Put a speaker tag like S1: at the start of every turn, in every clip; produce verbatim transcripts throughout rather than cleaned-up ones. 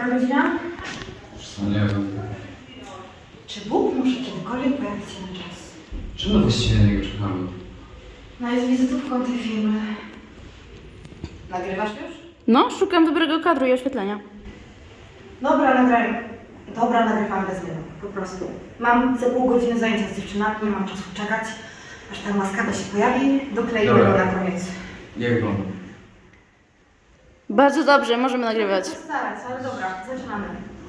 S1: Która godzina?
S2: Co, nie wiem.
S1: Czy Bóg może kiedykolwiek pojawić się na czas?
S2: Czemu właściwie na niego czekamy?
S1: No jest wizytówką tej firmy. Nagrywasz już?
S3: No, szukam dobrego kadru i oświetlenia.
S1: Dobra, nagraj. Dobra, nagrywam bez zmian. Po prostu. Mam za pół godziny zajęcia z dziewczynami, nie mam czasu czekać, aż ta łaskawa się pojawi. Dokleimy
S2: Dobra.
S1: go na koniec.
S2: Jak wam?
S3: Bardzo dobrze, możemy nagrywać.
S1: Muszę starać, ale dobra, zaczynamy.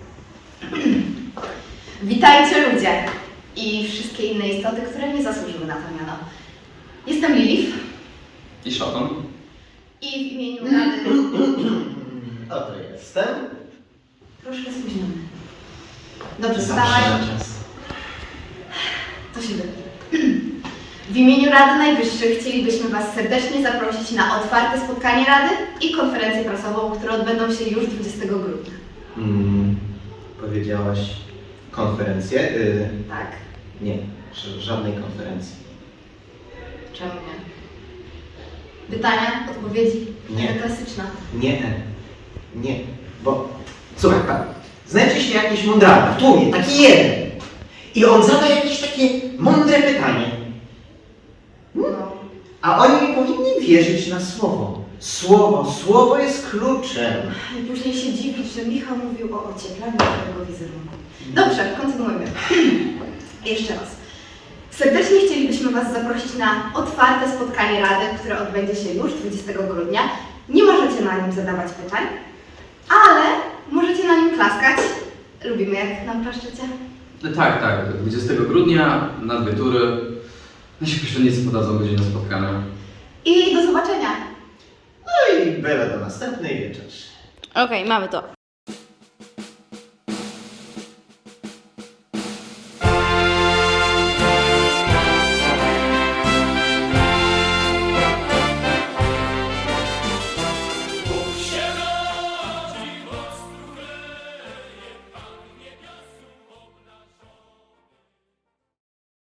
S4: Witajcie ludzie i wszystkie inne istoty, które nie zasłużyły na to miano. Jestem Lilith
S2: I szatan?
S4: i w imieniu Rady...
S5: Oto jestem.
S4: Troszkę spóźniony. Dobrze,
S5: Zawsze
S4: wstawaj.
S5: na czas.
S4: To się wytnie. W imieniu Rady Najwyższych chcielibyśmy Was serdecznie zaprosić na otwarte spotkanie Rady i konferencję prasową, które odbędą się już dwudziestego grudnia.
S5: Mm, powiedziałaś konferencję? Y,
S4: Tak?
S5: nie, ż- żadnej konferencji.
S4: Czemu nie? Pytania? Odpowiedzi?
S5: Nie.
S4: Taka klasyczna.
S5: Nie, nie, bo słuchaj, pan, znajdzie się jakiś mądralny w tłumie, taki jeden. I on zada jakieś takie mądre pytanie.
S4: No.
S5: A oni nie powinni wierzyć na słowo. Słowo, słowo jest kluczem.
S4: I później się dziwić, że Michał mówił o ocieplaniu twojego wizerunku. Dobrze, kontynuujmy. Jeszcze raz. Serdecznie chcielibyśmy Was zaprosić na otwarte spotkanie Rady, które odbędzie się już dwudziestego grudnia. Nie możecie na nim zadawać pytań, ale możecie na nim klaskać. Lubimy, jak nam klaszczecie.
S2: No tak, tak. dwudziestego grudnia na dwie tury. Nasi pieszczenicy podadzą godzinę spotkania.
S4: I do zobaczenia.
S5: No i byle do następnej wieczerzy.
S3: Okej, mamy to.